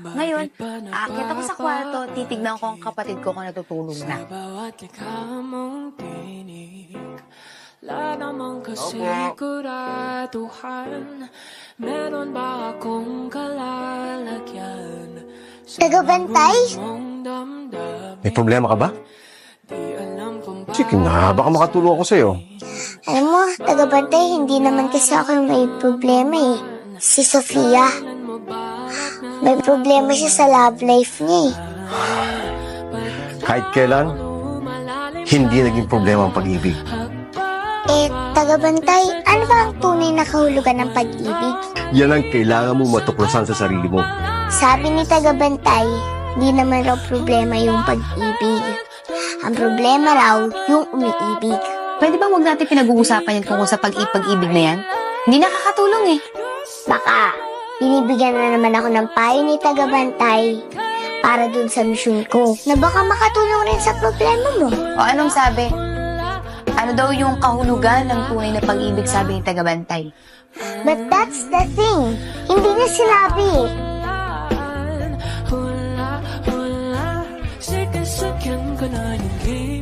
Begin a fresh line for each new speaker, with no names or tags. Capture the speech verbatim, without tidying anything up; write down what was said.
Ngayon, aakyat ako sa kwarto, titignan ko ang kapatid ko kung natutulog na.
Wala namang kasiguraduhan, meron ba akong kalalagyan?
Tagabantay?
May problema ka ba? Sige na, baka makatulong ako sa'yo.
Alam mo, tagabantay, hindi naman kasi ako may problema eh. Si Sofia. May problema siya sa love life niya eh.
Kahit kailan, hindi naging problema ang pag-ibig.
Eh, tagabantay, ano ba ang tunay na kahulugan ng pag-ibig?
Yan ang kailangan mo matuklasan sa sarili mo.
Sabi ni tagabantay, hindi naman raw problema yung pag-ibig. Ang problema raw, yung umiibig.
Pwede ba huwag natin pinag-uusapan yan tungkol sa pag-ipag-ibig na yan? Hindi nakakatulong eh.
Baka, binibigyan na naman ako ng payo ni tagabantay para dun sa misyon ko na baka makatulong rin sa problema mo.
O anong sabi? Ano daw yung kahulugan ng tunay na pag-ibig, sabi ni tagabantay?
But that's the thing. Hindi niya sinabi eh.
Hula, hula, sikasakyan ko na yung